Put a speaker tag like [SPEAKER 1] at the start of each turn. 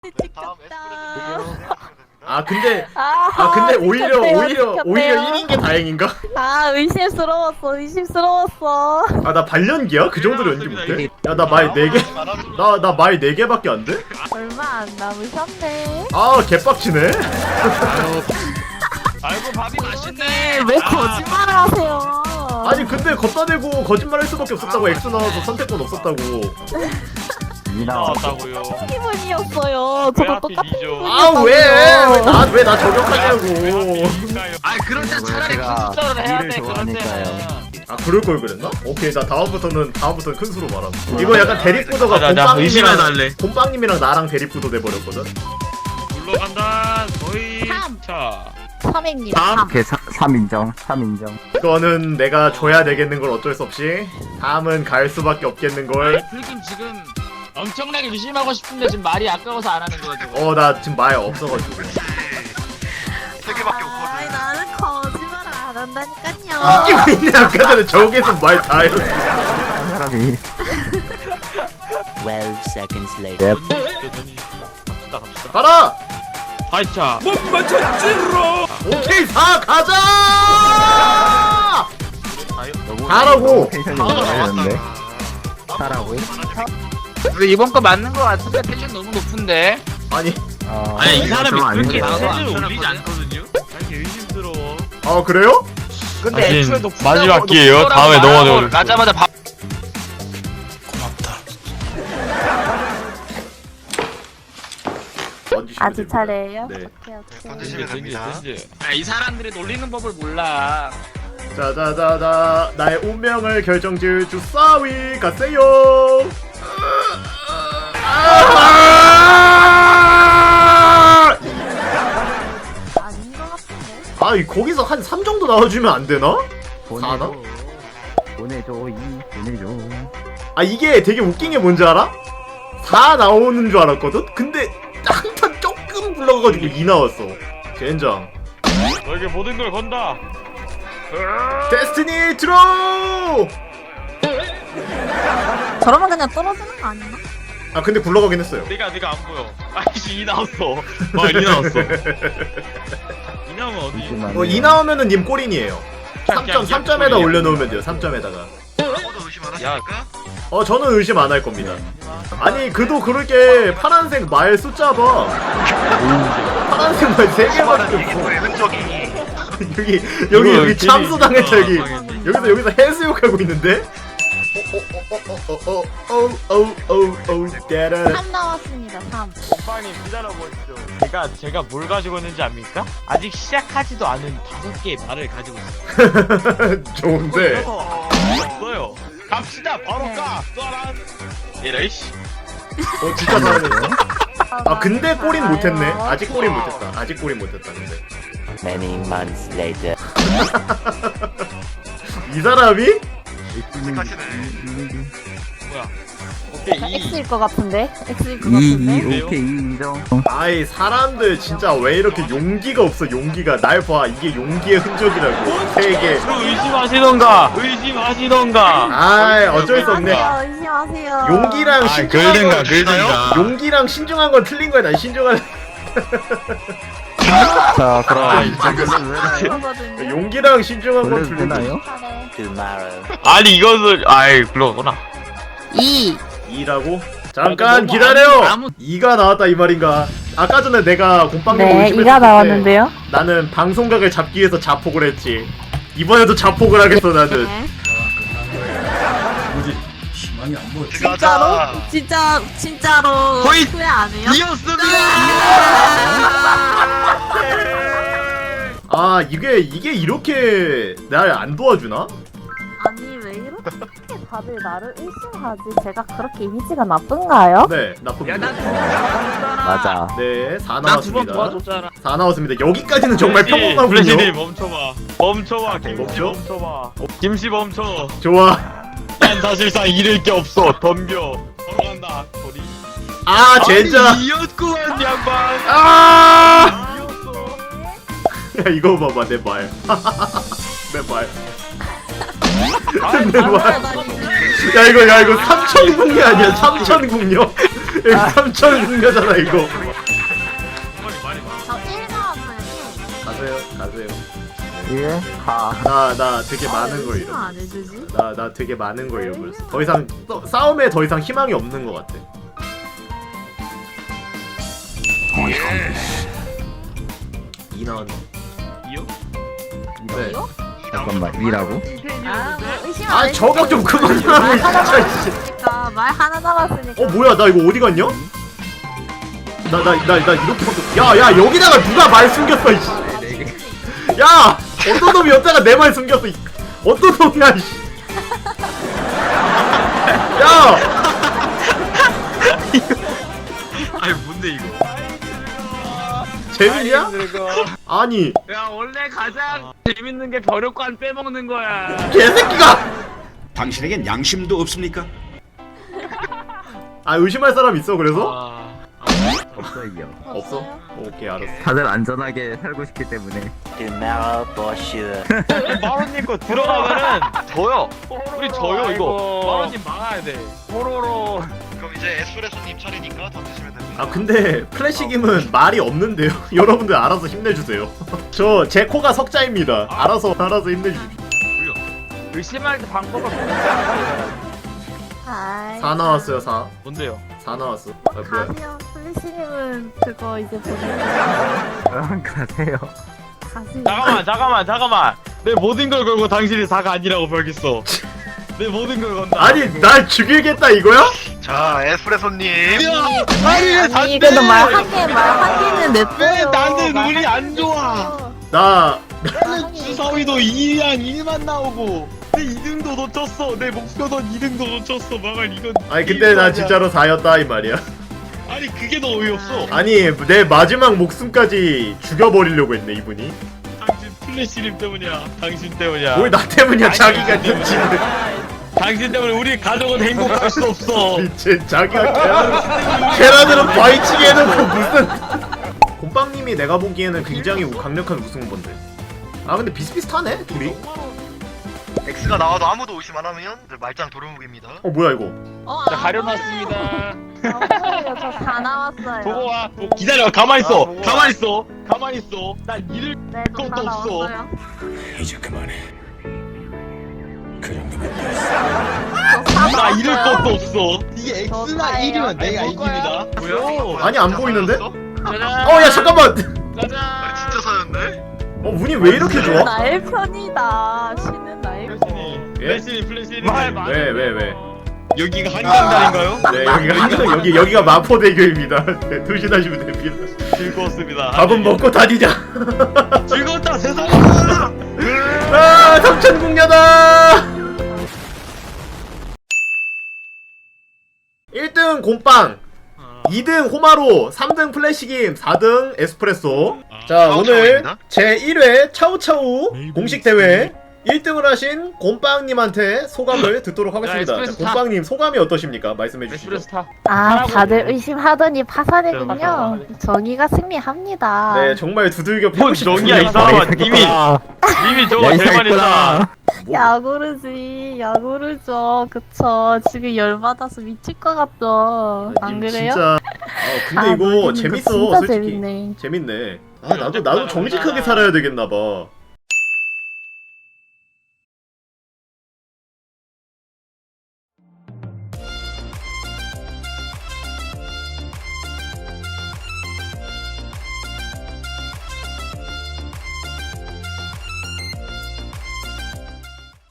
[SPEAKER 1] 근데 오히려 1인 게 다행인가?
[SPEAKER 2] 의심스러웠어.
[SPEAKER 1] 아 나 발연기야? 그 정도로 연기 못해? 야 나 말 4개 나 말 4개밖에 안 돼?
[SPEAKER 2] 얼마 안 남으셨네.
[SPEAKER 1] 아 개빡치네.
[SPEAKER 3] 아이고 밥이 맛있네.
[SPEAKER 2] 왜 거짓말을 하세요?
[SPEAKER 1] 아니 근데 걷다 대고 거짓말 할 수밖에 없었다고. X 나와서 선택권 없었다고.
[SPEAKER 3] 나왔다고요.
[SPEAKER 2] 기분이었어요. 저도 똑같은
[SPEAKER 3] 이죠?
[SPEAKER 1] 아 왜 나 저격하냐고.
[SPEAKER 3] 아 그럴 땐 차라리 군수처럼 해야 돼. 그럴 때는.
[SPEAKER 1] 아 그럴 걸 그랬나? 오케이 나 다음부터는 큰 수로 말함. 이거 약간 대립구도가
[SPEAKER 3] 나 의심해달래.
[SPEAKER 1] 곰빵님이랑 나랑 대립구도 돼버렸거든.
[SPEAKER 3] 물러간다. 거의.
[SPEAKER 2] 삼.
[SPEAKER 3] 자.
[SPEAKER 2] 3입니다.
[SPEAKER 4] 오케이 3인정.
[SPEAKER 1] 이거는 내가 줘야 되겠는 걸 어쩔 수 없이. 다음은 갈 수밖에 없겠는 걸.
[SPEAKER 3] 불금 지금 엄청나게 의심하고 싶은데 지금 말이 아까워서 안 하는 거죠.
[SPEAKER 1] 나 지금 말 없어가지고.
[SPEAKER 3] 3개밖에 없거든.
[SPEAKER 2] 아이, 나는 거짓말을 안 한다니까요.
[SPEAKER 1] 이기고 있네. 아까 전에 저기서 말 다 했어.
[SPEAKER 4] 사람이
[SPEAKER 5] 12 seconds later.
[SPEAKER 3] 갑시다.
[SPEAKER 1] 가라!
[SPEAKER 3] 하이차.
[SPEAKER 1] 오케이 4 가자! 가라고!
[SPEAKER 4] 텐션이 올라가는데 사라고요?
[SPEAKER 3] 근데 이번 거 맞는 거 같은데 텐션 너무 높은데.
[SPEAKER 1] 아니
[SPEAKER 3] 아니 이 사람이
[SPEAKER 4] 좀
[SPEAKER 3] 그렇게
[SPEAKER 4] 아닌데.
[SPEAKER 3] 텐션을 올리지 않거든요. 아니 의심스러워.
[SPEAKER 1] 그래요?
[SPEAKER 3] 근데 애초에도
[SPEAKER 6] 마지막 기회예요. 다음에 넘어져.
[SPEAKER 3] 가자마자 밥.
[SPEAKER 2] 아직 차례예요?
[SPEAKER 1] 네.
[SPEAKER 2] 오케이.
[SPEAKER 3] 이 사람들이 놀리는 법을 몰라.
[SPEAKER 1] 자자자자 나의 운명을 결정질 주사위 가세요.
[SPEAKER 2] 아닌 것 같은데?
[SPEAKER 1] 거기서 한 3 정도 나와주면 안 되나? 4나?
[SPEAKER 4] 보내줘 보내줘.
[SPEAKER 1] 이게 되게 웃긴 게 뭔지 알아? 4 나오는 줄 알았거든? 근데 한판 조금 불러가지고 2 나왔어. 젠장.
[SPEAKER 6] 너에게 모든 걸 건다.
[SPEAKER 1] 데스티니 드로우!
[SPEAKER 2] 저러면 그냥 떨어지는 거 아니나?
[SPEAKER 1] 근데 굴러가긴 했어요.
[SPEAKER 6] 네가 안 보여. 아이씨 이 나왔어. 이 나왔어. 이 나오면 어디?
[SPEAKER 1] 2 나오면은 님 꼴인이에요. 3점에다 올려놓으면 돼요. 3점에다가.
[SPEAKER 6] 야,
[SPEAKER 1] 저는 의심 안 할 겁니다. 아니 그도 그렇게 파란색 말 숫자 봐. 파란색 말 3개밖에 없어. 여기 참수 당했죠. 여기서 해수욕하고 있는데. 따라.
[SPEAKER 2] 3 나왔습니다. 3.
[SPEAKER 6] 오빠님 기다려보시죠. 제가 뭘 가지고 있는지 압니까? 아직 시작하지도 않은 5개의 말을 가지고 있어요.
[SPEAKER 1] 좋은데.
[SPEAKER 6] 없어요. 갑시다. 바로 가. 쏘란. 이래이씨.
[SPEAKER 1] 진짜 잘했어. 근데 골인 못했네. 아직 골인 못했다. 근데
[SPEAKER 5] Many months later.
[SPEAKER 1] 이 사람이
[SPEAKER 6] 뭐야? 오케이
[SPEAKER 2] X일 것 같은데? X일 것
[SPEAKER 4] 2
[SPEAKER 2] 같은데?
[SPEAKER 4] 오케이 2 인정.
[SPEAKER 1] 사람들 진짜 왜 이렇게 용기가 없어. 용기가. 날 봐. 이게 용기의 흔적이라고. 3개.
[SPEAKER 6] 의심하시던가.
[SPEAKER 1] 어쩔 수 없네.
[SPEAKER 2] 의심하세요.
[SPEAKER 1] 용기랑 신중한 건
[SPEAKER 6] 글든가.
[SPEAKER 1] 용기랑 신중한 건 틀린 거야. 난 신중한.
[SPEAKER 4] 자 그럼
[SPEAKER 2] 이거거든요.
[SPEAKER 1] 용기랑 신중한 건
[SPEAKER 4] 원래
[SPEAKER 1] 틀린 거야.
[SPEAKER 4] 되나요?
[SPEAKER 5] Tomorrow.
[SPEAKER 6] 아니 이것을 그러구나.
[SPEAKER 2] 2.
[SPEAKER 1] 2라고? 잠깐 기다려. 2가 나왔다 이 말인가? 아까 전에 내가 곰빵님
[SPEAKER 2] 네,
[SPEAKER 1] 의심했을
[SPEAKER 2] 2가
[SPEAKER 1] 때
[SPEAKER 2] 나왔는데요.
[SPEAKER 1] 나는 방송각을 잡기 위해서 자폭을 했지. 이번에도 자폭을 하겠어 나는.
[SPEAKER 2] 네.
[SPEAKER 3] 진짜로?
[SPEAKER 2] 진짜로
[SPEAKER 3] 거의
[SPEAKER 2] 후회 안 해요?
[SPEAKER 1] 이게 이렇게 날 안 도와주나?
[SPEAKER 2] 아니 왜 이렇게 다들 나를 의심하지? 제가 그렇게 이미지가 나쁜가요?
[SPEAKER 1] 네, 나쁩니다.
[SPEAKER 4] 맞아.
[SPEAKER 1] 네, 4
[SPEAKER 3] 나 두 번
[SPEAKER 1] 나왔습니다.
[SPEAKER 3] 도와줬잖아.
[SPEAKER 1] 4 나왔습니다. 여기까지는 정말 평범하군요.
[SPEAKER 6] 블레시님 멈춰봐. 김씨
[SPEAKER 1] 멈춰?
[SPEAKER 6] 멈춰봐. 김씨 멈춰.
[SPEAKER 1] 좋아.
[SPEAKER 6] 난 사실상 잃을 게 없어. 덤벼. 걸어간다. 소리.
[SPEAKER 1] 젠장.
[SPEAKER 6] 이었구만 양반.
[SPEAKER 1] 야, 이거 봐봐, 내 말. 내 말. 내 말. 야, 이거 삼천궁녀 아니야? 삼천궁녀? 삼천궁녀잖아, 이거. 가세요.
[SPEAKER 4] 예, 가.
[SPEAKER 1] 나 되게 많은 걸 잃어.
[SPEAKER 2] 안 해주지?
[SPEAKER 1] 나 되게 많은 걸 잃어버렸어. 더 이상 싸움에 더 이상 희망이 없는 것 같아. 이 나왔네.
[SPEAKER 6] 이요?
[SPEAKER 1] 네.
[SPEAKER 4] 잠깐만, 이라고?
[SPEAKER 2] 아, 뭐 의심 안
[SPEAKER 1] 아
[SPEAKER 2] 해주지?
[SPEAKER 1] 저격 좀 그만 하라고 진짜. 씨.
[SPEAKER 2] 말 하나 남았으니까.
[SPEAKER 1] 뭐야 나 이거 어디 갔냐? 나 이렇게 야 여기다가 누가 말 숨겼어 이씨. 야 어떤 놈이 여자가 내 말 숨겼어 이. 어떤 놈이야 이씨. 야
[SPEAKER 6] 아니 뭔데 이거?
[SPEAKER 1] 재밌냐? 아니
[SPEAKER 3] 야 원래 가장 재밌는 게 벼룩관 빼먹는 거야.
[SPEAKER 1] 개새끼가.
[SPEAKER 7] 당신에겐 양심도 없습니까?
[SPEAKER 1] 아 의심할 사람 있어 그래서?
[SPEAKER 6] 아,
[SPEAKER 4] 없어요.
[SPEAKER 1] 없어? 오케이 알았어.
[SPEAKER 4] 다들 안전하게 살고 싶기 때문에.
[SPEAKER 5] Tomorrow for sure.
[SPEAKER 6] 마로님 거 들어가면은 져요. 우리 져요 이거. 마로님 막아야 돼.
[SPEAKER 8] 그럼 이제 에스프레소님 차례니까 던지시면 됩니다.
[SPEAKER 1] 아 근데 플래시김은 말이 없는데요. 여러분들 알아서 힘내주세요. 저 제 코가 석자입니다. 알아서 힘내주십시오.
[SPEAKER 6] 의심할 때 방법을 모르잖아.
[SPEAKER 2] 아이,
[SPEAKER 1] 4 나왔어요 4.
[SPEAKER 6] 뭔데요?
[SPEAKER 1] 4 나왔어. 아 뭐야?
[SPEAKER 2] 가면 플래시님은 그거 이제 보내면
[SPEAKER 4] 가세요.
[SPEAKER 2] 가시.
[SPEAKER 6] 잠깐만. 내 모든 걸 걸고 당신이 4가 아니라고 벌겠어. 내 모든 걸 건다.
[SPEAKER 1] 아니 날 죽이겠다 이거야?
[SPEAKER 8] 자, 에스프레소님.
[SPEAKER 2] 아니 그래도 말 한 개는 냈어요.
[SPEAKER 6] 왜 나는 운이 안 좋아?
[SPEAKER 1] 나
[SPEAKER 6] 나는 주사위도 2랑 1만 나오고 내 2등도 놓쳤어. 내 목표던 2등도 놓쳤어. 망할 이건.
[SPEAKER 1] 아니 근데 나 진짜로 4였다 이 말이야.
[SPEAKER 6] 아니 그게 더 어이없어.
[SPEAKER 1] 아니 내 마지막 목숨까지 죽여버리려고 했네 이분이.
[SPEAKER 6] 당신 플래시님 때문이야. 당신 때문이야.
[SPEAKER 1] 뭘 나 때문이야
[SPEAKER 6] 아니,
[SPEAKER 1] 자기가
[SPEAKER 6] 아니,
[SPEAKER 1] 든 짓을.
[SPEAKER 6] 당신 때문에 우리 가족은 행복할 수 없어.
[SPEAKER 1] 미친 자기가 계란으로 바위치게 해놓고 무슨. 곰빵님이 내가 보기에는 굉장히 강력한 우승 후보인데. 아 근데 비슷비슷하네 둘이.
[SPEAKER 8] X가 나와도 아무도 의심 안 하면 이제 말짱 도루묵입니다.
[SPEAKER 1] 뭐야 이거?
[SPEAKER 6] 자 가려놨습니다.
[SPEAKER 2] 저다 나왔어요.
[SPEAKER 6] 보고 와. 기다려. 가만히 있어.
[SPEAKER 8] 아, 보고 와.
[SPEAKER 6] 가만히 있어. 난 잃을
[SPEAKER 2] 네,
[SPEAKER 6] 것도
[SPEAKER 2] 다
[SPEAKER 6] 없어.
[SPEAKER 2] 나왔어요.
[SPEAKER 7] 이제 그만해. 그 정도면
[SPEAKER 6] 나 잃을 것도 없어. 이게
[SPEAKER 2] 저
[SPEAKER 6] X나
[SPEAKER 2] 다예요.
[SPEAKER 6] 1이면 내가 이깁니다.
[SPEAKER 8] 뭐야?
[SPEAKER 1] 아니 안 보이는데?
[SPEAKER 6] 짜잔.
[SPEAKER 1] 어 야 잠깐만.
[SPEAKER 6] 짜잔.
[SPEAKER 8] 진짜 사였네?
[SPEAKER 1] 운이 왜 이렇게 좋아?
[SPEAKER 2] 나의 편이다. 신은 나의 편.
[SPEAKER 6] 플래시님.
[SPEAKER 1] 왜?
[SPEAKER 6] 여기가 한강다리인가요?
[SPEAKER 1] 네 여기가 마포대교입니다. 네, 조심하시면 됩니다.
[SPEAKER 6] 즐거웠습니다.
[SPEAKER 1] 밥은 먹고 다니자.
[SPEAKER 6] 즐거웠다 세상.
[SPEAKER 1] 아 삼천궁녀다. 1등 곰빵, 2등 호마로, 3등 플래시김, 4등 에스프레소. 자 오늘
[SPEAKER 8] 차오차오입니다.
[SPEAKER 1] 제 1회 차우차우 공식 대회 1등을 하신 곰빵님한테 소감을 듣도록 하겠습니다.
[SPEAKER 6] 에스프레소
[SPEAKER 1] 자, 곰빵님 소감이 어떠십니까? 말씀해 주시죠.
[SPEAKER 6] 에스프레소 타.
[SPEAKER 2] 아, 다들 의심하더니 파산했군요. 정의가 승리합니다.
[SPEAKER 1] 네 정말 두들겨
[SPEAKER 6] 뭔
[SPEAKER 1] 패고 싶은
[SPEAKER 6] 정이야 이 사람아. 이미 저거 제일 많이 했다.
[SPEAKER 2] 야구르지, 야구르죠. 그쵸. 지금 열받아서 미칠 것 같죠. 안 그래요?
[SPEAKER 1] 진짜. 근데 이거
[SPEAKER 2] 놀리는 거
[SPEAKER 1] 재밌어
[SPEAKER 2] 진짜
[SPEAKER 1] 솔직히.
[SPEAKER 2] 재밌네.
[SPEAKER 1] 재밌네. 아 나도 정직하게 살아야 되겠나 봐.